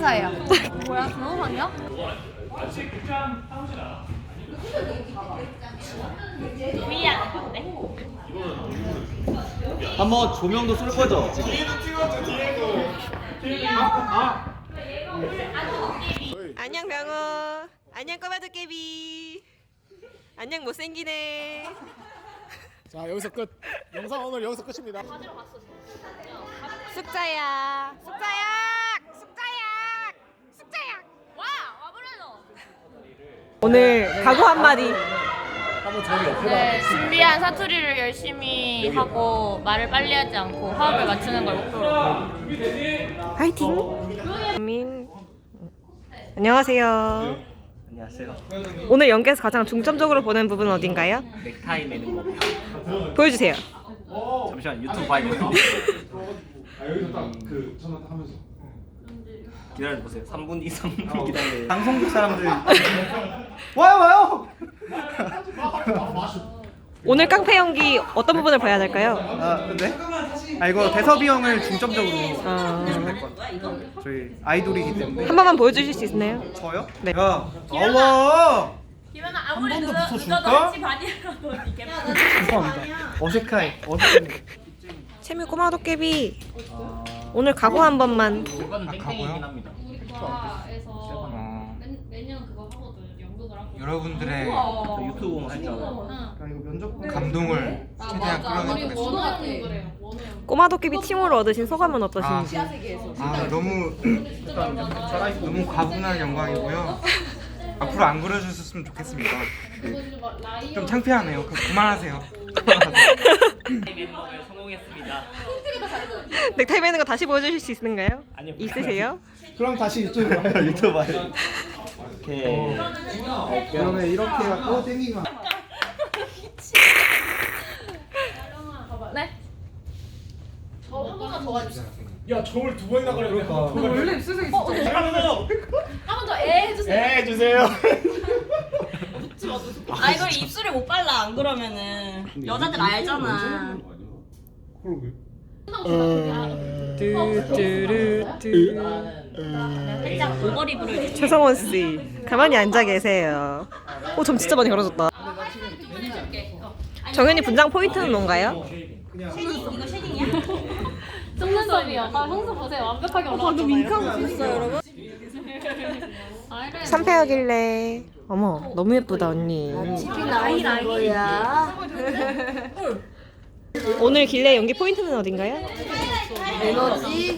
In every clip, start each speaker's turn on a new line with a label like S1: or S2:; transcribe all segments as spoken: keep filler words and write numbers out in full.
S1: 사예요. 뭐야, 변호사냐?
S2: 위안 건데?
S3: 한번 조명도 쏠 거죠 지금?
S4: 안녕 병호. 안녕 꼬마 도깨비. 안녕 못생기네.
S5: 자 여기서 끝. 영상 오늘 여기서 끝입니다.
S4: 숙자야. 숙자야. 숙자야. 숙자야.
S2: 와! 와브레노!
S4: 오늘 각오 한마디.
S5: 한번 저기 옆에다.
S2: 네, 준비한 사투리를 열심히 하고 말을 빨리 하지 않고 화합을 맞추는 걸 목표로.
S4: 화이팅. 민. 안녕하세요.
S3: 안녕하세요.
S4: 오늘 연기에서 가장 중점적으로 보는 부분은 어딘가요?
S3: 넥타이 매는 거.
S4: 보여주세요.
S3: 잠시만 유튜브 봐야겠다.
S6: 아 여기서 딱 그 전화 딱 하면서
S3: 기다려보세요. 삼 분 이상 기다려요. 방송국 사람들 와요 와요.
S4: 오늘 깡패 연기 어떤 부분을 봐야 될까요?
S7: 아, 네? 아 이거 대섭이 형을 중점적으로
S4: 어...
S7: 보시면 될 것 같아요. 저희 아이돌이기 때문에.
S4: 한 번만 보여주실 수 있나요?
S7: 저요?
S4: 네.
S7: 야, 나와.
S2: 기면아 아무리
S7: 번도
S2: 늦어,
S7: 붙여줄까?
S2: 늦어도 반이라도 이게
S7: 죄송합니다. 어색해. 어색해.
S4: 채미 꼬마 도깨비. 오늘 각오 한 번만.
S3: 이건 땡땡이긴
S7: 가고요?
S3: 합니다.
S2: 과에서
S7: 어,
S2: 매년 그거 하거든. 연극을 하고.
S7: 여러분들의
S3: 저 유튜브 보면 했잖아요.
S7: 아, 이거 면접 감동을 최대한 끌어내보겠습니다.
S2: 원어연 그래요. 원어연.
S4: 꼬마 도깨비 칭호를 얻으신 소감은 어떠신지?
S7: 아 너무 너무 과분한 영광이고요. 앞으로 안 그려주셨으면 좋겠습니다. 네. 좀 창피하네요. 그, 그만하세요.
S3: 멤버를 성공했습니다.
S4: 넥타이 매는 거 다시 보여주실 수 있는가요?
S3: 아니요.
S4: 있으세요?
S5: 그럼 다시 유튜브 봐.
S3: 유튜브 봐요. 오케이.
S5: 그러면 이렇게 해갖고 땡기기만.
S2: 네? 저 한 번만 더 해주세요.
S5: 야 저걸 두 번이나 그래. 그러니까. 원래
S2: 한 번 더 애 해주세요.
S5: 네 해주세요.
S8: 아 이걸 입술에 못 발라 안 그러면은 여자들 알잖아.
S5: 그러게.
S4: 뚜뚜루뚜.
S8: 살짝 오버립 부를
S4: 최성원 씨, 가만히 앉아 계세요. 오, 점 진짜 많이 걸어졌다. 정현이 분장 포인트는 뭔가요?
S8: 이거 쉐딩이야?
S2: 속눈썹이요. 아, 형수 보세요. 완벽하게 올라왔잖아요. 방금 윙크하고 있어요, 여러분.
S4: 삼패하길래. 어머, 너무 예쁘다 언니.
S1: 거야.
S4: 오늘 길래 연기 포인트는 어딘가요?
S1: 에너지.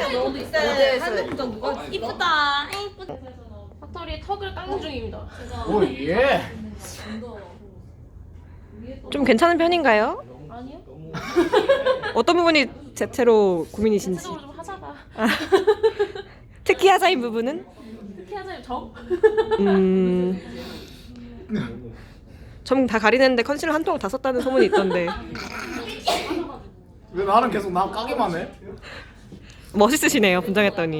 S8: 이쁘다. 이쁘다.
S2: 사투리 턱을 깎는 중입니다.
S5: 오 예.
S4: 좀 괜찮은 편인가요?
S2: 아니요?
S4: 어떤 부분이 제태로 고민이신지.
S2: 전체적으로 좀 하자가.
S4: 아, 특히 하자인 부분은?
S2: 특히 하자면 저?
S4: 음. 점 다 가리는데 컨실러 한 통 다 썼다는 소문이 있던데.
S5: 왜 나는 계속 나 까기만 해?
S4: 멋있으시네요, 분장했더니.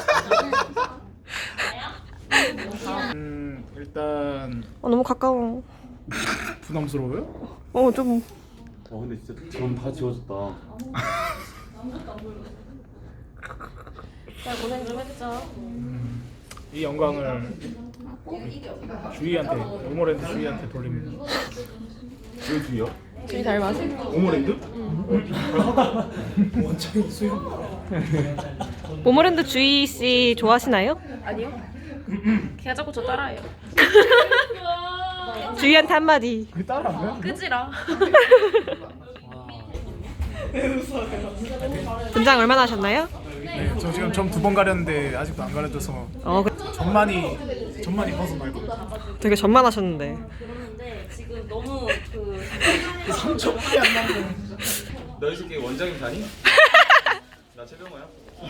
S5: 음 일단
S4: 어, 너무 가까워.
S5: 부담스러워요?
S4: 어, 좀.
S6: 와 근데 진짜 전 다 지워졌다.
S2: 자, 고생 좀 해주죠.
S5: 이 영광을 주희한테 오모랜드 주희한테 돌립니다.
S6: 왜 주희야?
S4: 주희 닮았어.
S6: 오모랜드?
S5: 원장이 수영.
S4: 모모랜드 주희 씨 좋아하시나요?
S2: 아니요? 걔가 자꾸 저 따라해요.
S4: 주희한테 한마디.
S5: 그 따라 안 해?
S2: 끄지라.
S4: 분장 얼마나 하셨나요?
S5: 네, 저 지금 점 두 번 가렸는데 아직도 안 가려져서
S4: 어, 그,
S5: 점만이 점만이 벗어나고
S4: 되게 전만하셨는데.
S8: 그러는데 지금 너무 그
S5: 삼 초밖에 안 나고.
S3: 너희 새끼 원장님 다니? 나 최병호야.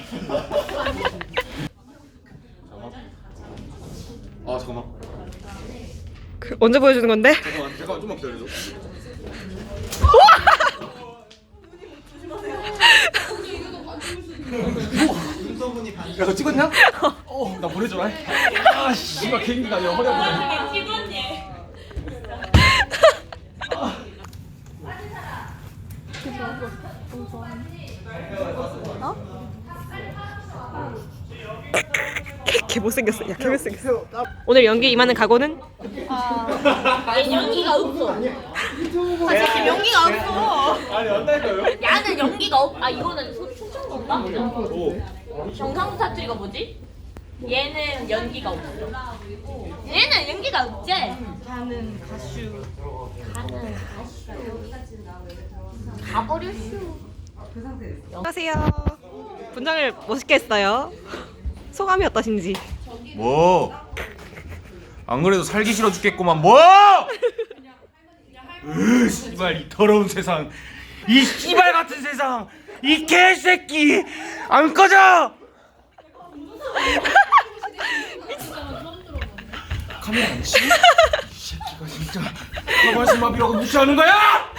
S6: 아 잠깐만.
S4: 그, 언제 보여주는 건데?
S6: 잠깐만 잠깐만 좀만 기다려줘.
S3: 야 너 찍었냐? 어, 나 보내줘라. 아 씨발 개인기가 아니라 허리 아프네.
S8: 피곤해.
S1: 어?
S4: 개 못생겼어. 야, 개 못생겼어. 오늘 연기 임하는 각오는?
S2: 얘 연기가 없어. 사실 연기가 없어.
S3: 아니 안다니까요?
S2: 야는 연기가 없. 아 이거는 소- 소총 건가? 경상도 사투리가 뭐지? 얘는 연기가 없어. 얘는 연기가 없지. 가는 가슈. 가는 가슈. 가버렸슈.
S4: 안녕하세요. 분장을 멋있게 했어요. 소감이 어떠신지?
S6: 뭐? 안 그래도 살기 싫어 죽겠구만. 뭐? 으, 씨발 이 더러운 세상, 이 씨발 같은 세상, 이 개새끼 안 꺼져. 카메라 안 치? 이 새끼가 진짜 가만히 마비라고 무시하는 거야?